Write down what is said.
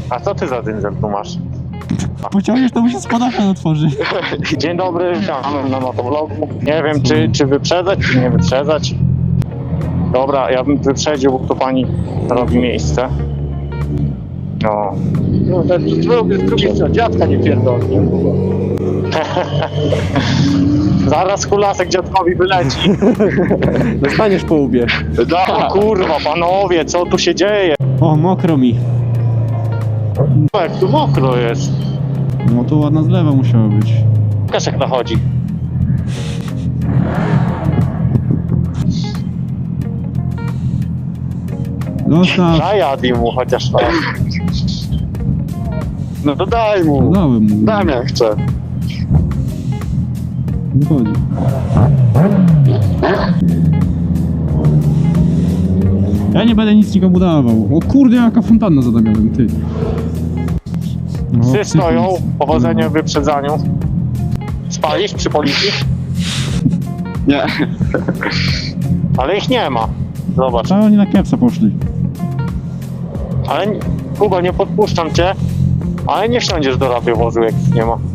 A co ty za dynzel tu masz? Pociągniesz, to mu się spadachan otworzy. Dzień dobry, witamy na motowlogu. Nie wiem, czy wyprzedzać, czy nie wyprzedzać. Dobra, ja bym wyprzedził, bo tu pani robi miejsce. No. No z drugiej strony, dziadka nie pierdolnie. Zaraz kulasek dziadkowi wyleci. Dostaniesz po łbie. No kurwa, panowie, co tu się dzieje? O, mokro mi. Jak tu mokro jest. No to ładna zlewa musiała być. Pokaż jak nachodzi. Zostaw. Najadij mu chociaż raz. No to daj mu. Dałem mu. Dam jak chcę. Nie chodzi. Ja nie będę nic nikomu dawał. O kurde, jaka fontanna za Damianem, ty. No, Psy ty stoją, nic. powodzenia w wyprzedzaniu. Spalisz przy policji? Nie. Ale ich nie ma. Zobacz. A oni na kiepsa poszli. Ale Kuba, nie podpuszczam cię. Ale nie wsiądziesz do radiowozu, jak ich nie ma.